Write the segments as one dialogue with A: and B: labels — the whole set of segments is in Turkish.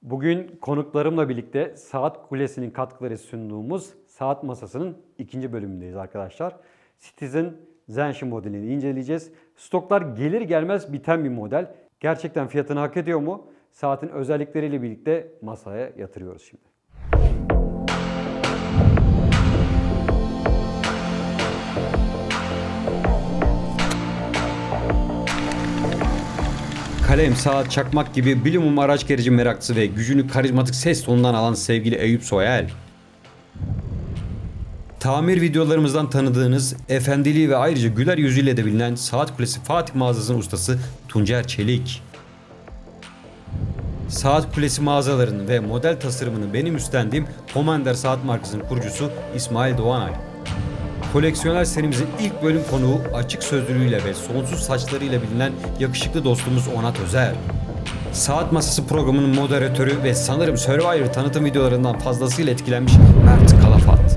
A: Bugün konuklarımla birlikte Saat Kulesi'nin katkıları sunduğumuz saat masasının ikinci bölümündeyiz arkadaşlar. Citizen Zenshi modelini inceleyeceğiz. Stoklar gelir gelmez biten bir model. Gerçekten fiyatını hak ediyor mu? Saatin özellikleriyle birlikte masaya yatırıyoruz şimdi. Kalem, saat, çakmak gibi bilimum araç gereci meraklısı ve gücünü karizmatik ses tonundan alan sevgili Eyüp Soyel. Tamir videolarımızdan tanıdığınız efendiliği ve ayrıca güler yüzüyle de bilinen Saat Kulesi Fatih mağazasının ustası Tuncer Çelik. Saat Kulesi mağazalarının ve model tasarımını benim üstlendiğim Commander Saat markasının kurucusu İsmail Doğanay. Koleksiyonel serimizin ilk bölüm konuğu açık sözlülüğüyle ve sonsuz saçlarıyla bilinen yakışıklı dostumuz Onat Özer. Saat Masası programının moderatörü ve sanırım Survivor tanıtım videolarından fazlasıyla etkilenmiş Mert Kalafat.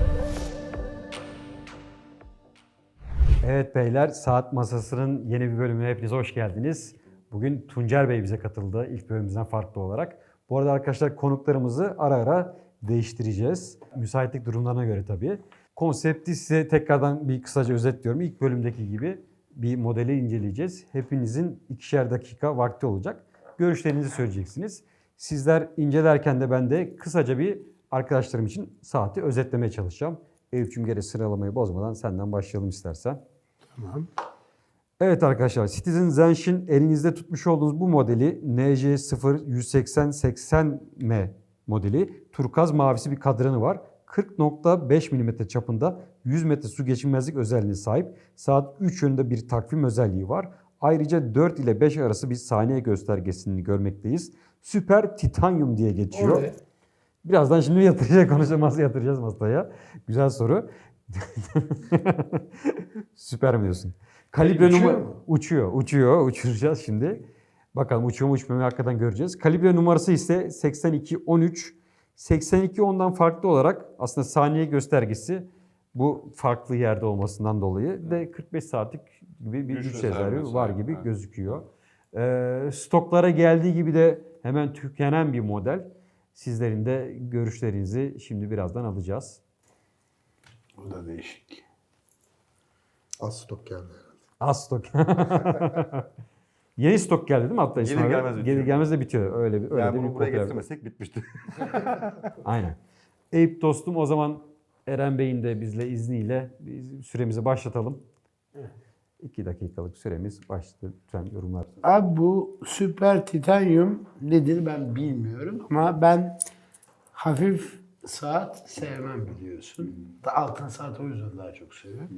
A: Evet beyler, Saat Masası'nın yeni bir bölümüne hepiniz hoş geldiniz. Bugün Tuncer Bey bize katıldı ilk bölümümüzden farklı olarak. Bu arada arkadaşlar konuklarımızı ara ara değiştireceğiz. Müsaitlik durumlarına göre tabii. Konsepti size tekrardan bir kısaca özetliyorum. İlk bölümdeki gibi bir modeli inceleyeceğiz. Hepinizin 2'şer dakika vakti olacak. Görüşlerinizi söyleyeceksiniz. Sizler incelerken de ben de kısaca bir arkadaşlarım için saati özetlemeye çalışacağım. Eyüp'cüğüm gene sıralamayı bozmadan senden başlayalım istersen.
B: Tamam.
A: Evet arkadaşlar, Citizen Zenshin elinizde tutmuş olduğunuz bu modeli NJ0-180-80M modeli. Turkuaz mavisi bir kadranı var. 40.5 mm çapında 100 metre su geçirmezlik özelliğine sahip. Saat 3 yönünde bir takvim özelliği var. Ayrıca 4 ile 5 arası bir saniye göstergesini görmekteyiz. Süper Titanium diye geçiyor.
B: Oraya.
A: Birazdan şimdi yatıracağız masaya. Güzel soru. Süper mi diyorsun? Kalibre numara uçuyor. Uçuracağız şimdi. Bakalım uçuyor mu uçmuyor mu hakikaten göreceğiz. Kalibre numarası ise 8213. 8210'dan farklı olarak aslında saniye göstergesi bu farklı yerde olmasından dolayı de 45 saatlik gibi bir güç rezervi var gibi gözüküyor. Stoklara geldiği gibi de hemen tükenen bir model. Sizlerin de görüşlerinizi şimdi birazdan alacağız.
B: Bu da değişik.
C: Az stok geldi herhalde.
A: Az stok. Yeni stok geldi değil mi hatta İsmail? Gelir gelmez de bitiyor. Öyle bir
D: yani bunu
A: bir
D: buraya
A: popüler-
D: getirmesek bitmişti.
A: Aynen. Eyüp dostum, o zaman Eren Bey'in de bizle izniyle biz süremizi başlatalım. 2 dakikalık süremiz başladı. Lütfen yorumlar.
B: Abi bu süper titanyum nedir ben bilmiyorum ama ben hafif saat sevmem biliyorsun. Altın saat o yüzden daha çok seviyorum.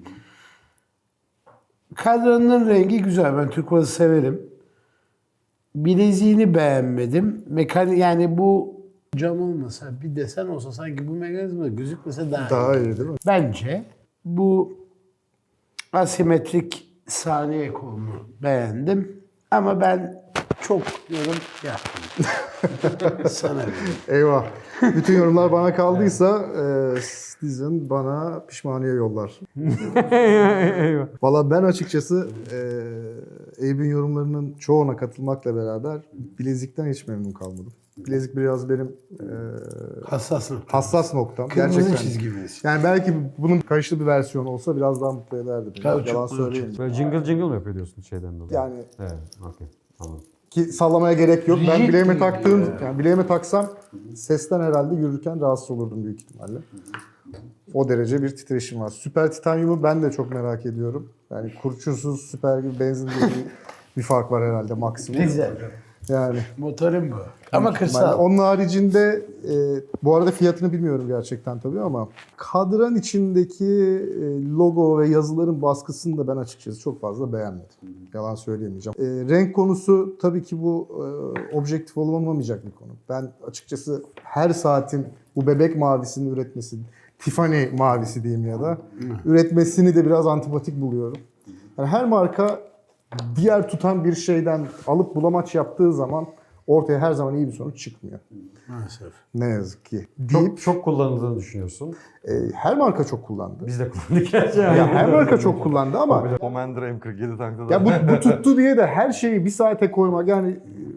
B: Kadranın rengi güzel. Ben turkuazı severim. Bileziğini beğenmedim. Yani bu cam olmasa bir desen olsa sanki bu mekanizma gözükmese daha iyi.
C: Daha iyi değil mi?
B: Bence bu asimetrik saniye kolunu beğendim. Ama ben çok yorum yaptım. Sana göre.
C: Eyvah. Bütün yorumlar bana kaldıysa Citizen bana pişmaniye yollar.
A: Eyvah.
C: Valla ben açıkçası Eyüp'ün yorumlarının çoğuna katılmakla beraber bilezikten hiç memnun kalmadım. Bilezik biraz benim
B: Hassas nokta.
C: hassas noktam.
B: Kırmızı
C: Gerçekten.
B: çizgimiz.
C: Yani belki bunun kayışlı bir versiyonu olsa biraz daha mutlu ederdi beni.
B: Kauçuk,
C: Yalan
B: kauçuk.
C: söyleyeyim.
A: Böyle jingle mı yapıyor diyorsun şeyden dolayı?
C: Yani
A: Evet, okey. Anladım.
C: ki sallamaya gerek yok. Ben
B: Rigid
C: bileğime
B: gibi
C: taktığım,
B: ya.
C: yani bileğime taksam sesten herhalde yürürken rahatsız olurdum büyük ihtimalle. O derece bir titreşim var. Süper Titanium'u ben de çok merak ediyorum. Yani kurşunsuz süper gibi benzin gibi bir fark var herhalde maksimum.
B: Güzel.
C: Yani
B: Motorum bu. Ama kırsal.
C: onun haricinde bu arada fiyatını bilmiyorum gerçekten tabii ama kadran içindeki logo ve yazıların baskısını da ben açıkçası çok fazla beğenmedim. Yalan söyleyemeyeceğim. Renk konusu tabii ki bu objektif olmamayacak bir konu. Ben açıkçası her saatin bu bebek mavisini üretmesi, Tiffany mavisi diyeyim ya da üretmesini de biraz antipatik buluyorum. Yani her marka diğer tutan bir şeyden alıp bulamaç yaptığı zaman ortaya her zaman iyi bir sonuç çıkmıyor.
B: Maalesef.
C: Ne yazık ki. Deyip
A: Çok kullanıldığını düşünüyorsun.
C: her marka çok kullandı.
A: Biz de kullandık gerçekten.
C: Ya her marka çok kullandı ama
D: Commander M47 tankta da.
C: ya bu tuttu diye de her şeyi bir saate koymak yani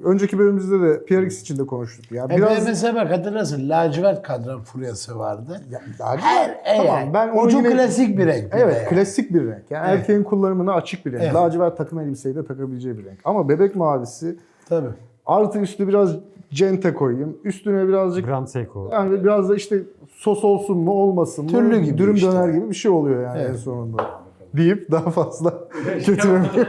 C: önceki bölümümüzde de PRX için de konuştuk. Yani biraz
B: mesela bak hatırlasın lacivert kadran furyası vardı.
C: tamam ben onu
B: ucu
C: yine,
B: klasik bir renk.
C: evet
B: yani.
C: klasik bir renk. Yani
B: Evet.
C: erkeğin kullanımına açık bir renk.
B: Evet.
C: Lacivert takım elbiseyi de takabileceği bir renk. Ama bebek mavisi
B: Tabii.
C: artı üstü biraz cente koyayım. Üstüne birazcık
A: Grand Seiko.
C: yani biraz da işte sos olsun mu olmasın mı?
B: Türlü gibi
C: dürüm
B: işte.
C: döner gibi bir şey oluyor yani
B: Evet.
C: en sonunda. Deyip daha fazla kötülemeyeyim.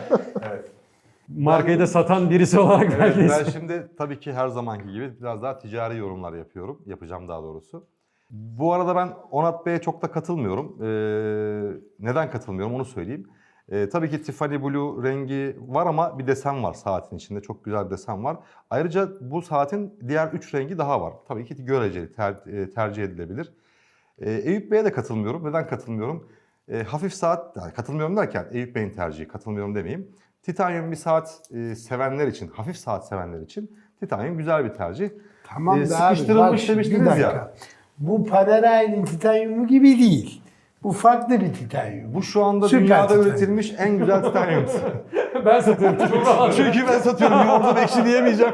A: Markayı da satan birisi olarak
D: Evet,
A: belki.
D: ben şimdi tabii ki her zamanki gibi biraz daha ticari yorumlar yapıyorum. Yapacağım daha doğrusu. Bu arada ben Onat Bey'e çok da katılmıyorum. Neden katılmıyorum onu söyleyeyim. Tabii ki Tiffany Blue rengi var ama bir desen var saatin içinde. Çok güzel bir desen var. Ayrıca bu saatin diğer 3 rengi daha var. Tabii ki göreceli, tercih edilebilir. Eyüp Bey'e de katılmıyorum. Neden katılmıyorum? Hafif saat, yani katılmıyorum derken Eyüp Bey'in tercihi, katılmıyorum demeyeyim. Titanium bir saat sevenler için, hafif saat sevenler için Titanium güzel bir tercih.
B: Tamam da abi
D: sıkıştırılmış
B: bak şimdi bir
D: demiştiniz
B: dakika.
D: ya.
B: Bu Panerai'nin titanyumu gibi değil. Bu farklı bir titanyum.
D: Bu şu anda
B: Süper
D: dünyada
B: titanyum.
D: üretilmiş en güzel titanyum.
A: Ben satıyorum.
D: Çünkü ben satıyorum, yoğurda ekşi diyemeyeceğim.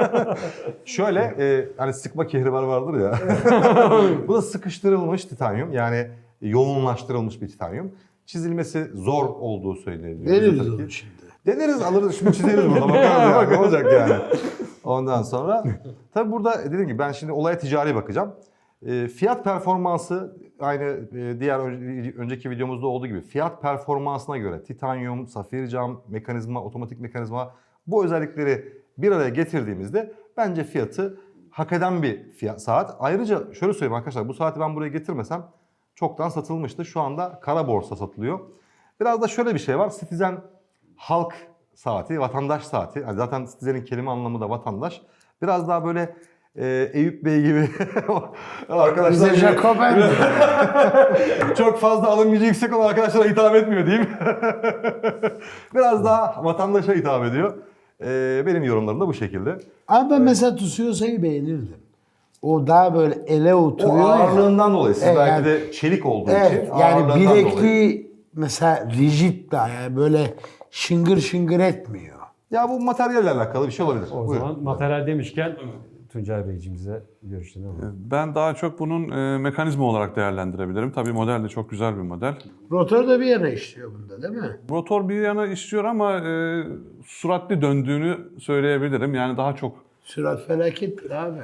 D: Şöyle, hani sıkma kehribar vardır ya. Bu da sıkıştırılmış titanyum, yani yoğunlaştırılmış bir titanyum. Çizilmesi zor olduğu söyleniyor.
B: Veririz
D: Tabii
B: onu
D: ki.
B: şimdi.
D: Deneriz, alırız, şimdi çizeriz burada, bakarız yani, ne olacak yani. Ondan sonra, tabii burada dediğim gibi ben şimdi olaya ticari bakacağım. Fiyat performansı aynı diğer önceki videomuzda olduğu gibi fiyat performansına göre titanyum, safir cam, mekanizma, otomatik mekanizma bu özellikleri bir araya getirdiğimizde bence fiyatı hak eden bir fiyat saat. Ayrıca şöyle söyleyeyim arkadaşlar, bu saati ben buraya getirmesem çoktan satılmıştı. Şu anda kara borsa satılıyor. Biraz da şöyle bir şey var. Citizen halk saati, vatandaş saati. Yani zaten Citizen'in kelime anlamı da vatandaş. Biraz daha böyle Eyüp Bey gibi arkadaşlar
B: Bize Jacoben.
D: çok fazla alım gücü yüksek olan arkadaşlara hitap etmiyor diyeyim. Biraz daha vatandaşa hitap ediyor. Benim yorumlarım da bu şekilde.
B: Ama ben mesela Tusiosa'yı beğenirdim. O daha böyle ele
D: O
B: oturuyor ya.
D: ağırlığından dolayı, siz
B: Evet,
D: belki
B: yani-
D: de çelik olduğu
B: Evet,
D: için
B: yani
D: ağırlığından dolayı.
B: bilekliği mesela rigid daha yani böyle şıngır şıngır etmiyor.
D: Ya bu materyalle alakalı bir şey olabilir.
A: O
D: Buyurun.
A: zaman materyal demişken Tuncay Beyciğimize görüşlerini alalım.
E: Ben daha çok bunun mekanizma olarak değerlendirebilirim. Tabii model de çok güzel bir model.
B: Rotor da bir yana işliyor bunda değil mi?
E: Rotor bir yana işliyor ama süratli döndüğünü söyleyebilirim. Yani daha çok
B: Sürat felakettir abi.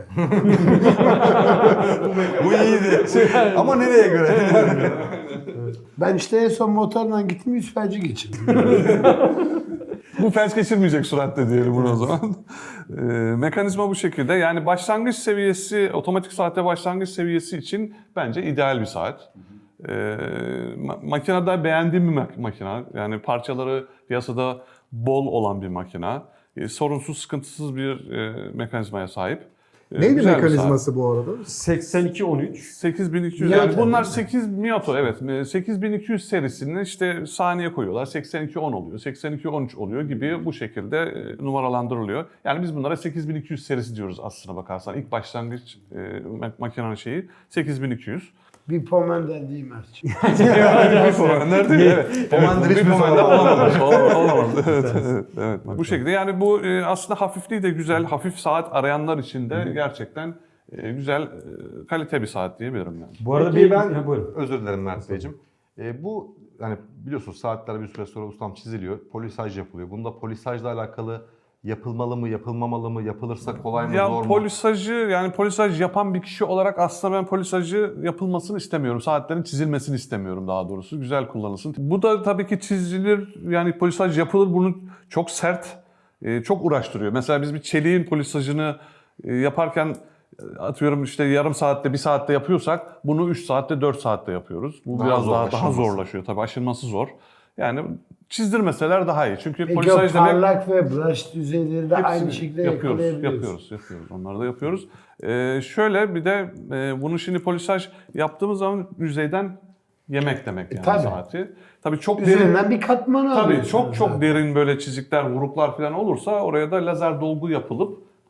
D: Bu iyiydi. Ama nereye göre?
B: Ben işte en son motorla gittim 100 felci geçirdim.
E: bu felç geçirmeyecek süratle diyelim bunu o zaman. Mekanizma bu şekilde. Yani başlangıç seviyesi, otomatik saatte başlangıç seviyesi için bence ideal bir saat. Makinede beğendiğim bir makine. Yani parçaları piyasada bol olan bir makine. Sorunsuz, sıkıntısız bir mekanizmaya sahip.
C: Neydi
E: Güzel bir
C: mekanizması bu arada?
A: 8213.
E: 8200
B: Miyata
E: yani bunlar
B: değil
E: 8 Miyata evet 8200 serisini işte saniye koyuyorlar 8210 oluyor 8213 oluyor gibi bu şekilde numaralandırılıyor. Yani biz bunlara 8200 serisi diyoruz aslına bakarsan ilk başlangıç makinenin şeyi 8200.
B: Bir Pomander değil Mert'ciğim.
E: Nerede? Evet.
D: Pomander hiçbir
E: Bir
D: zaman
E: olamamış. Olamadı. Evet. Bu şekilde yani bu aslında hafifliği de güzel. Hafif saat arayanlar için de gerçekten güzel kalite bir saat diyebilirim yani.
A: Bu arada
D: Peki
A: Ha, buyurun.
D: özür dilerim Mert Beyciğim. Bu hani biliyorsunuz saatler bir süre sonra ustam çiziliyor, polisaj yapılıyor. Bunda polisajla alakalı yapılmalı mı, yapılmamalı mı, yapılırsa kolay mı,
E: Ya
D: zor mu?
E: polisaj yapan bir kişi olarak aslında ben polisajı yapılmasını istemiyorum. Saatlerin çizilmesini istemiyorum daha doğrusu. Güzel kullanılsın. Bu da tabii ki çizilir yani polisaj yapılır. Bunu çok sert, çok uğraştırıyor. Mesela biz bir çeliğin polisajını yaparken atıyorum işte yarım saatte, bir saatte yapıyorsak bunu 3 saatte, 4 saatte yapıyoruz. Bu
D: Daha
E: biraz
D: zor,
E: daha
D: aşılması.
E: zorlaşıyor tabii. Aşılması zor. Yani çizdirmeseler daha iyi. Çünkü
B: Peki o
E: polisaj demek
B: parlak ve brush düzeyleri de aynı
E: hepsini
B: şekilde
E: yapıyoruz.
B: yakalayabiliyorsun.
E: Onları da yapıyoruz. Şöyle bir de bunu şimdi polisaj yaptığımız zaman yüzeyden yemek demek yani
B: Tabii.
E: saati. Tabii çok derin.
B: Üzerinden bir katmanı
E: Tabii
B: alıyorsun
E: çok
B: zaten.
E: derin böyle çizikler, vuruklar falan olursa oraya da lazer dolgu yapılıp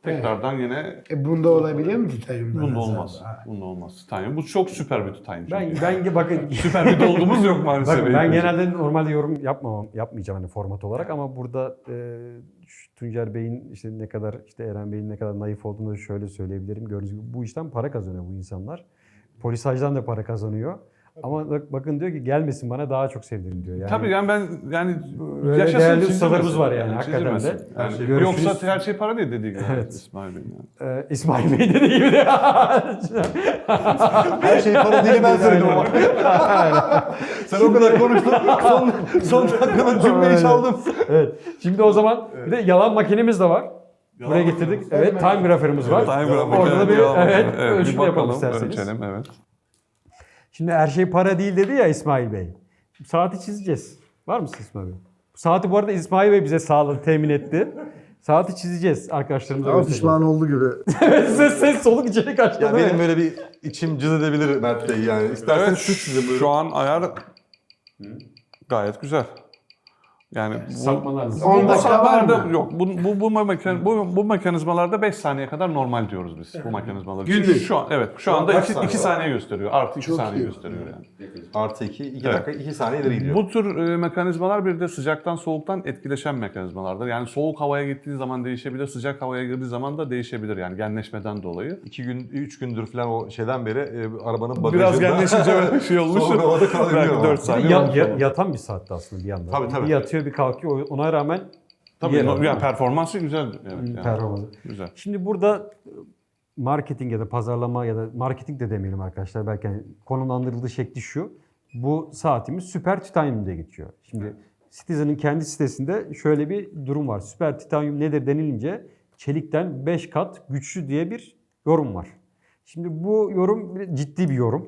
E: tekrardan yine
B: Bunda olabiliyor mu titanyumdan?
E: bunda
B: hasar?
E: olmaz.
B: Ha.
E: Bunda olmaz. Titanyum. Bu çok süper bir titanyum. çünkü.
A: Ben bakın
E: Süper bir dolgumuz yok maalesef.
A: bakın ben
E: Beykoz'da.
A: genelde normalde yorum yapmayacağım hani format olarak ama burada şu Tuncer Bey'in işte ne kadar işte Eren Bey'in ne kadar naif olduğunu şöyle söyleyebilirim. Gördüğünüz gibi bu işten para kazanıyor bu insanlar. Polisajdan da para kazanıyor. Ama bakın diyor ki gelmesin bana daha çok sevdirin diyor. Yani
E: Tabii yani ben yani
A: Öyle
E: yaşasın,
A: değerli
E: çizilmesin.
A: ustalarımız var yani, hakikaten de.
E: çizilmesin. Yani
A: Yani görüşürüz.
E: yoksa her şey para değil dediği gibi.
A: Evet.
E: İsmail Bey yani.
A: İsmail Bey dediği gibi de.
D: Her şey para değil ben söyledim ama. Sen o kadar konuştun. Son dakikada cümleyi çaldım.
A: Evet. Şimdi o zaman bir de yalan makinemiz de var. Buraya getirdik. Evet, time graferimiz var.
E: Time graph
A: Orada da bir
E: makinesi,
A: ölçüm
E: bir
A: yapalım
E: bakalım,
A: isterseniz.
E: ölçelim, evet.
A: Şimdi her şey para değil dedi ya İsmail Bey. Saati çizeceğiz. Var mısın İsmail Bey? Saati bu arada İsmail Bey bize sağladı, temin etti. Saati çizeceğiz arkadaşlarımıza.
C: Ama
A: göstereceğiz.
C: pişman oldu gibi.
A: ses soluk içeri kaçtı.
D: Ya
A: değil
D: benim
A: mi?
D: böyle bir içim cız edebilir Mert Bey yani. İsterseniz
E: Evet,
D: siz çizin buyurun.
E: şu an ayar gayet güzel. Yani
A: Sapmalarınız.
B: 10
E: bu
B: dakika var
E: saatlerde
B: mı?
E: yok. Bu mekanizmalarda 5 saniye kadar normal diyoruz biz bu mekanizmaları.
B: Günlük.
E: Şu an evet şu anda
D: kaç
E: 2
D: saniye var?
E: saniye gösteriyor. Artı 2
B: Çok
E: saniye
B: iyi.
E: gösteriyor yani.
D: Artı 2
E: Evet.
D: dakika 2 saniye ileri gidiyor.
E: Bu tür mekanizmalar bir de sıcaktan soğuktan etkileşen mekanizmalardır. Yani soğuk havaya gittiği zaman değişebilir, sıcak havaya girdiği zaman da değişebilir yani genleşmeden dolayı.
D: 3 gündür falan o şeyden beri arabanın bagajında.
E: Biraz genleşince öyle bir şey olmuş.
D: Soğuk havada kalabiliyor
E: Belki
D: ama.
E: 4
A: Bir
E: saniye.
A: de
E: olmuş ama.
A: yatan bir saatte aslında bir yandan.
D: Tabii, tabii.
A: Bir yatıyor bir kalkıyor. Ona rağmen
E: Tabii
A: yer
E: yani
A: alıyor.
E: performansı güzel. Evet, yani.
A: Performansı.
E: Güzel.
A: Şimdi burada marketing ya da pazarlama ya da marketing de demeyelim arkadaşlar. Belki hani konumlandırıldığı şekli şu. Bu saatimiz süper titanyum diye geçiyor. Şimdi Citizen'ın kendi sitesinde şöyle bir durum var. Süper titanyum nedir denilince çelikten 5 kat güçlü diye bir yorum var. Şimdi bu yorum ciddi bir yorum.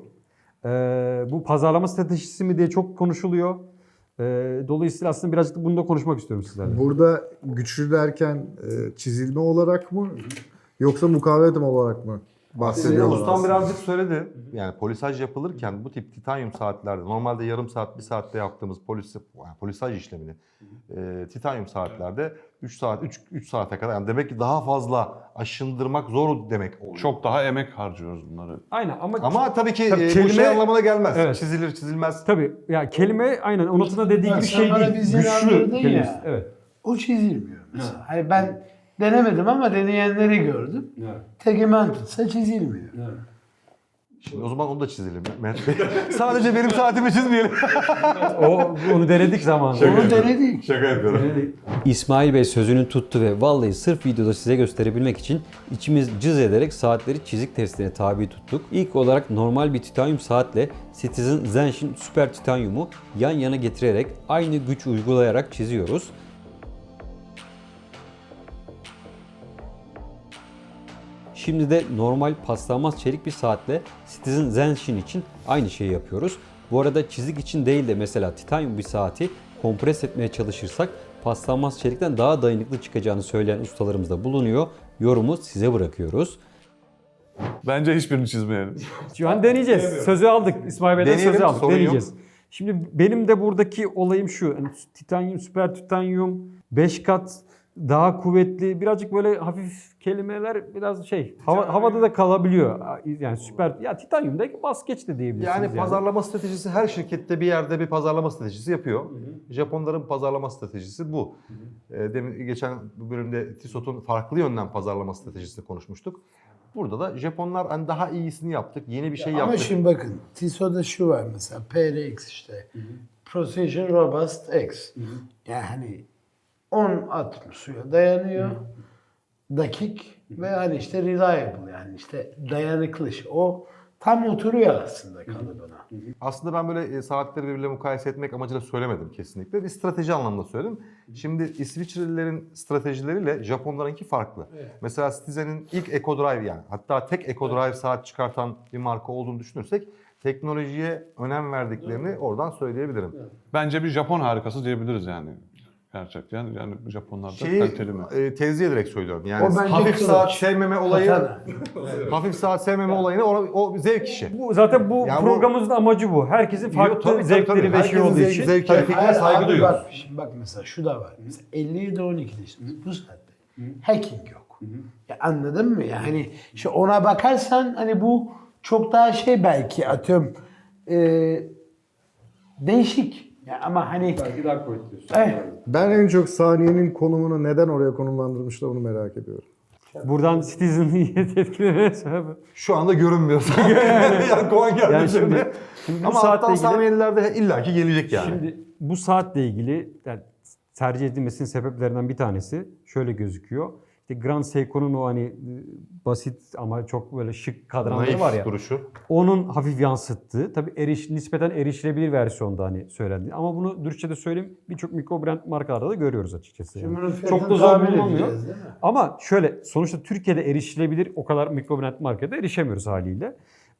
A: Bu pazarlama stratejisi mi diye çok konuşuluyor. Dolayısıyla aslında birazcık da bunu da konuşmak istiyorum sizlerle.
C: Burada güçlü derken çizilme olarak mı yoksa mukavemet olarak mı bahsediyorlar?
D: Ustam
C: aslında?
D: birazcık söyledi. Yani polisaj yapılırken bu tip titanyum saatlerde normalde yarım saat, 1 saatte yaptığımız polisaj işlemini titanyum saatlerde 3 saate kadar yani demek ki daha fazla aşındırmak zor demek oluyor.
E: Çok daha emek harcıyoruz bunları.
A: Aynen
D: Ama tabii ki
A: Tabii
D: bu
A: kelime-
D: şey anlamına gelmez.
A: Evet.
D: Çizilir çizilmez.
A: tabii ya kelime aynen Onat'ın da dediği
B: Bak
A: gibi
B: sen
A: şey
B: bana
A: değil.
B: biz yine
A: Güçlü
B: anladın ya.
A: kelimesi. Evet.
B: O çizilmiyor mesela. Hani ben denemedim ama deneyenleri gördüm. Tegimentutsa çizilmiyor.
D: Şimdi o zaman onu da çizelim Mehmet Bey. Sadece benim saatimi çizmeyelim.
A: Onu denedik zamanında.
B: Onu denedik.
D: Şaka yapıyorum.
F: İsmail Bey sözünü tuttu ve vallahi sırf videoda size gösterebilmek için içimiz cız ederek saatleri çizik testine tabi tuttuk. İlk olarak normal bir titanyum saatle Citizen Zenshin Super Titanyum'u yan yana getirerek aynı güç uygulayarak çiziyoruz. Şimdi de normal paslanmaz çelik bir saatle Citizen Zenshin için aynı şeyi yapıyoruz. Bu arada çizik için değil de mesela titanyum bir saati kompres etmeye çalışırsak paslanmaz çelikten daha dayanıklı çıkacağını söyleyen ustalarımız da bulunuyor. Yorumu size bırakıyoruz.
E: Bence hiçbirini çizmeyelim.
A: Şu an deneyeceğiz. Sözü aldık. İsmail Bey'den
D: Deneyelim,
A: sözü aldık.
D: sorun yok.
A: Deneyeceğiz. Şimdi benim de buradaki olayım şu. Yani titanyum, süper titanyum 5 kat daha kuvvetli. Birazcık böyle hafif kelimeler biraz havada da kalabiliyor. Yani süper ya titanyumda bas geç de diyebilirsiniz.
D: Yani pazarlama stratejisi her şirkette bir yerde bir pazarlama stratejisi yapıyor. Japonların pazarlama stratejisi bu. Demin geçen bölümde Tissot'un farklı yönden pazarlama stratejisini konuşmuştuk. Burada da Japonlar hani daha iyisini yaptık, yeni bir şey
B: Ama
D: yaptık.
B: şimdi bakın TISO'da şu var mesela PRX işte. Precision Robust X. Yani hani 10 atom suya dayanıyor. Dakik ve hani işte reliable yani işte dayanıklı. O tam oturuyor aslında kalıbına.
D: Aslında ben böyle saatleri birbirine mukayese etmek amacıyla söylemedim kesinlikle. Bir strateji anlamında söyledim. Şimdi İsviçrelilerin stratejileriyle Japonlarınki farklı. Mesela Citizen'in ilk Eco Drive yani hatta tek Eco Drive saat çıkartan bir marka olduğunu düşünürsek teknolojiye önem verdiklerini oradan söyleyebilirim.
E: Bence bir Japon harikası diyebiliriz yani. Gerçekten yani Japonlar da kaliteli mi?
D: Tenzih ederek söylüyorum. Yani
B: O bence
D: hafif
B: kılıç.
D: saat sevmeme olayı,
B: Katana.
D: hafif saat sevmeme olayını o zevk işi.
A: Zaten bu
D: Ya bu-
A: programımızın amacı bu. Herkesin farklı
D: Tabii,
A: zevkleri ve şey
D: Herkesin
A: olduğu için.
D: zevkine, fikrine
B: Hayır,
D: saygı
B: abi
D: duyuyoruz.
B: bak, şimdi bak mesela şu da var. Mesela 57-12'de işte bu saatte hacking yok. Ya anladın mı? Yani işte ona bakarsan hani bu çok daha şey belki atıyorum değişik. Ya ama hani
A: Belki daha kuvvetli.
C: Ben en çok saniyenin konumunu neden oraya konumlandırmışlar onu merak ediyorum.
A: Buradan Citizen'ı etkilemeye sebep.
D: Şu anda görünmüyor. yani kovan geldi
A: Yani
D: şimdi.
A: şimdi bu
D: Ama
A: saatle
D: alttan
A: ilgili,
D: saniyelerde illaki gelecek yani.
A: şimdi bu saatle ilgili yani tercih edilmesinin sebeplerinden bir tanesi şöyle gözüküyor. İşte Grand Seiko'nun o hani basit ama çok böyle şık kadranları
D: Naif
A: var ya.
D: duruşu.
A: Onun hafif yansıttığı, tabii nispeten erişilebilir versiyonda hani söylendi. Ama bunu dürüstçe de söyleyeyim, birçok mikro brand markalarda da görüyoruz açıkçası. Yani.
B: Şimdi bunun
A: Çok
B: fiyatını
A: da zor
B: tahmin
A: bulunamıyor.
B: edeceğiz, değil mi?
A: Ama şöyle, sonuçta Türkiye'de erişilebilir o kadar mikro brand markete erişemiyoruz haliyle.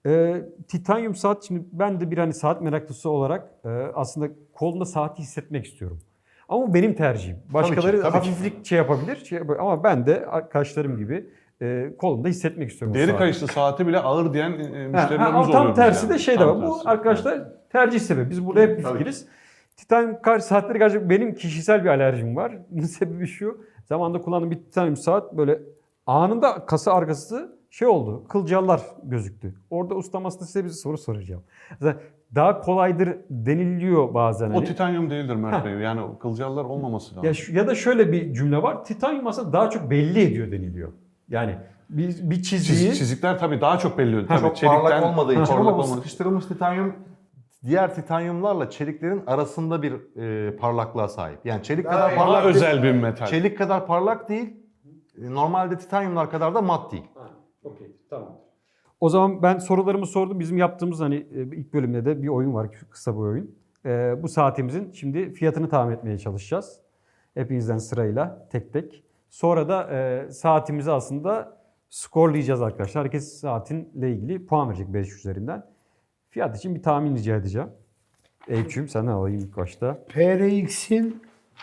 A: Titanium saat, şimdi ben de bir hani saat meraklısı olarak aslında kolumda saati hissetmek istiyorum. Ama bu benim tercihim. Başkaları
D: tabii ki.
A: hafiflik şey yapabilir, ama ben de arkadaşlarım gibi kolumda hissetmek istiyorum. o
E: Deri
A: saati.
E: kayışlı saati bile ağır diyen müşterilerimiz
A: Ama
E: oluyor.
A: tam tersi
E: bizden.
A: de şey de
E: Tam
A: var. Bu
E: tersi.
A: arkadaşlar tercih sebebi. Biz burada hep bir fikiriz. Titanium saatleri gerçekten benim kişisel bir alerjim var. Bunun sebebi şu. Zamanında kullandığım bir Titanium saat böyle anında kasa arkası şey oldu. Kılcallar gözüktü. Orada ustam aslında size bir soru soracağım. Mesela daha kolaydır deniliyor bazen.
E: O
A: Hani.
E: titanyum değildir Mert Bey. Yani o kılcallar olmaması lazım.
A: Ya da şöyle bir cümle var. Titanium aslında daha çok belli ediyor deniliyor. Yani bir çizgiyi...
E: Çizikler tabii daha çok belli oluyor. Tabii
D: Çok
E: çelikten
D: parlak olmadığı için
E: parlak
D: ama bu
E: olmadığı için.
D: sıkıştırılmış titanyum diğer titanyumlarla çeliklerin arasında bir parlaklığa sahip. Yani çelik kadar
E: Daha
D: parlak değil.
E: özel bir metal.
D: Çelik kadar parlak değil. Normalde titanyumlar kadar da mat değil.
A: Okey, tamam. O zaman ben sorularımı sordum. Bizim yaptığımız hani ilk bölümde de bir oyun var, kısa bir oyun. Bu saatimizin şimdi fiyatını tahmin etmeye çalışacağız. Hepinizden sırayla, tek tek. Sonra da saatimizi aslında skorlayacağız arkadaşlar. Herkes saatinle ilgili puan verecek 5 üzerinden. Fiyat için bir tahmin rica edeceğim. Eyüp'cüğüm senden alayım ilk başta.
B: PRX'in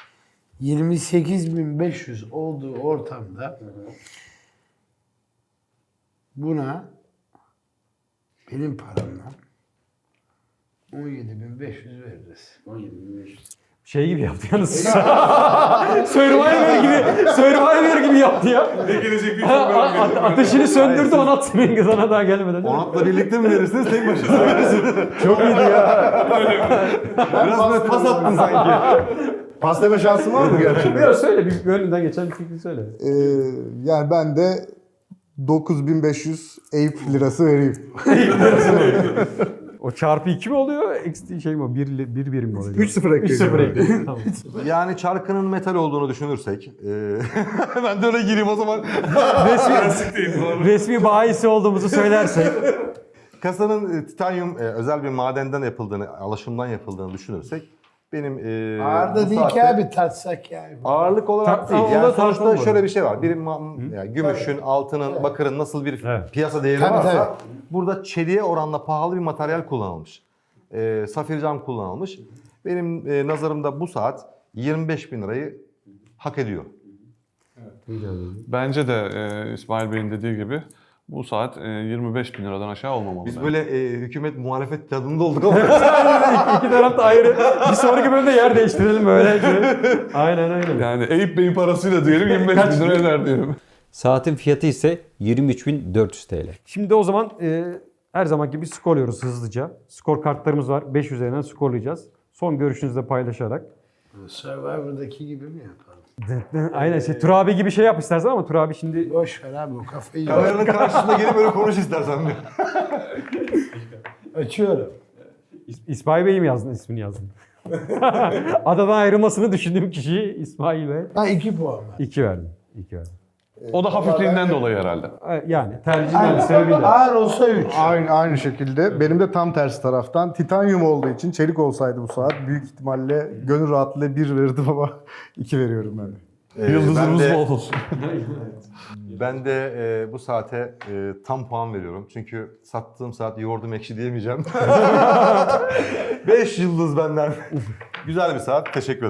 B: 28.500 olduğu ortamda buna benim paramla 17.500 veririz.
A: Şey gibi yaptı yalnız. Survivor gibi yaptı ya.
E: Ne gelecek
A: Ateşini söndürdü, ona atsın sana daha gelmeden.
D: Onatla birlikte mi verirsiniz, tek başına mı verirsiniz?
A: Çok iyiydi ya.
D: Biraz böyle pas attın sanki.
C: Pas deme şansın var mı gerçekten?
A: Biraz söyle, bir önünden geçen bir fikri söyle.
C: Yani ben de 9.500 Eyüp lirası vereyim.
A: O çarpı 2 mi oluyor? Eksi şey mi o? 1 birim mi oluyor?
C: 3-0 ekleyeceğim.
A: 3-0 ekledim. Tamam.
D: Yani çarkının metal olduğunu düşünürsek. Ben de öyle gireyim o zaman.
A: Resmi bahisi olduğumuzu söylersek.
D: Kasanın titanyum özel bir madenden yapıldığını, alaşımdan yapıldığını düşünürsek benim
B: Ağır da
D: bu
B: değil ki
D: saatte
B: abi tartsak yani.
D: ağırlık olarak değil.
A: Onu da
D: Yani sonuçta
A: tartışalım
D: şöyle
A: burada.
D: bir şey var. Yani gümüşün, altının, bakırın nasıl bir
A: Evet.
D: piyasa değeri
B: Tabii,
D: varsa
B: tabii.
D: burada çeliğe oranla pahalı bir materyal kullanılmış. Safir cam kullanılmış. Benim nazarımda bu saat 25.000 lirayı hak ediyor.
E: Bence de İsmail Bey'in dediği gibi bu saat 25.000 liradan aşağı olmamalı.
D: Biz
E: bence.
D: böyle hükümet muhalefet tadında olduk ama
A: İki taraf da ayrı. Bir sonraki bölümde yer değiştirelim böyle. Aynen.
E: Yani Eyüp Bey'in parasıyla diyelim 25.000 lira eder diyelim.
F: Saatin fiyatı ise 23.400 TL.
A: Şimdi o zaman her zamanki gibi skorluyoruz hızlıca. Skor kartlarımız var. 5 üzerinden skorlayacağız. Son görüşünüzü de paylaşarak.
B: Survivor'daki gibi mi yapalım?
A: Aynen Turabi gibi şey yap istersen ama Turabi şimdi...
B: Boş ver abi o kafayı yok.
D: kameranın karşısında gelip böyle konuş istersen bir.
B: Açıyorum.
A: İsmail Bey'i mi yazdın, ismini yazdın? Adadan ayrılmasını düşündüğüm kişiyi İsmail Bey.
B: Ben 2 puan ver.
A: 2 verdim.
E: O da hafifliğinden dolayı herhalde.
A: Yani tercihden sebebiyle.
B: Ağır olsa 3.
C: Aynı şekilde. Benim de tam tersi taraftan. Titanyum olduğu için çelik olsaydı bu saat büyük ihtimalle gönül rahatlığıyla 1 verirdim ama 2 veriyorum ben de.
E: Yıldızımız
D: ben de-
E: bol olsun.
D: Ben de bu saate tam puan veriyorum. Çünkü sattığım saat yoğurdum ekşi diyemeyeceğim. 5 yıldız benden. Güzel bir saat. Teşekkür ederim.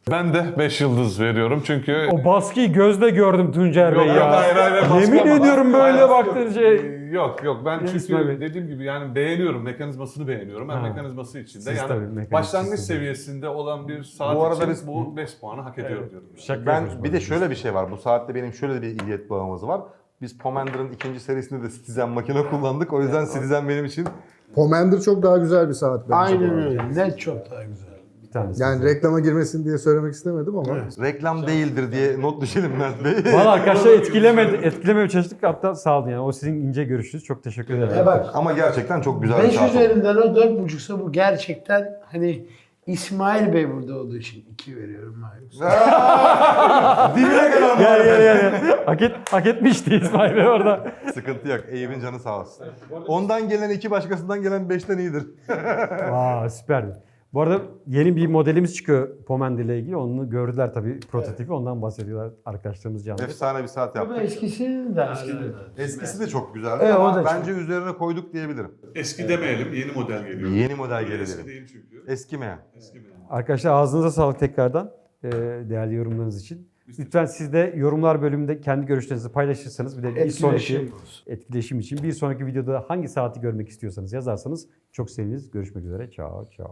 E: Ben de 5 yıldız veriyorum çünkü...
A: O baskıyı gözle gördüm Tuncer Bey
E: Yok,
A: ya.
E: hayır, baskı
A: Yemin
E: olmaz.
A: ediyorum böyle
E: Hayır,
A: baktığın şey.
E: Yok ben
A: İsmail
E: çünkü
A: Bey.
E: dediğim gibi yani beğeniyorum, mekanizmasını beğeniyorum. Ben
A: Ha.
E: mekanizması içinde
A: Siz tabii
E: yani
A: mekanizması
E: başlangıç
A: siz.
E: seviyesinde olan bir saat
D: Bu arada
E: için
D: biz-
E: bu 5 puanı hak ediyor diyorum.
A: Şaka
D: Ben
A: yapıyoruz
D: bir
A: bu
D: de
A: arada.
D: şöyle bir şey var. Bu saatte benim şöyle bir ilgiyet bağımız var. Biz Pomander'ın ikinci serisinde de Citizen makine kullandık. O yüzden Citizen benim için
C: Pomander çok daha güzel bir saat bence. bu
B: Aynen
C: arada.
B: öyle. Net çok daha güzel.
A: Bir tanesi.
C: Yani reklama girmesin diye söylemek istemedim ama.
D: reklam değildir diye not düşelim Mert Bey.
A: Valla arkadaşlar etkilemeye çalıştık. Hatta sağ olun yani. O sizin ince görüşünüz. Çok teşekkür ederim.
B: Ya bak
D: Ama gerçekten çok güzel bir
B: 5
D: saat oldu.
B: üzerinden o 4,5'sa bu gerçekten hani İsmail Bey burada olduğu için 2 veriyorum abi.
D: Dibine kadar
A: Gel. Hak etmişti İsmail Bey orada.
D: Sıkıntı yok. Eyüp'ün canı sağ olsun. Ondan gelen 2 başkasından gelen 5'ten iyidir.
A: Vaa süperdi. Bu arada yeni bir modelimiz çıkıyor Pomander ile ilgili. Onu gördüler tabii prototipi. Ondan bahsediyorlar arkadaşlarımız canlı.
D: Efsane bir saat
B: Ama
D: yaptık.
B: eskisini de
D: Eskisi de çok güzeldi
B: Evet, o
D: ama
B: da çok.
D: bence üzerine koyduk diyebilirim.
E: Eski demeyelim, yeni model geliyor.
D: Yeni model gelelim.
E: değil çünkü.
D: Eskimeyen.
A: Arkadaşlar ağzınıza sağlık tekrardan değerli yorumlarınız için. Lütfen siz de yorumlar bölümünde kendi görüşlerinizi paylaşırsanız bir de bir sonraki etkileşim için bir sonraki videoda hangi saati görmek istiyorsanız yazarsanız çok seviniriz. Görüşmek üzere. Ciao ciao.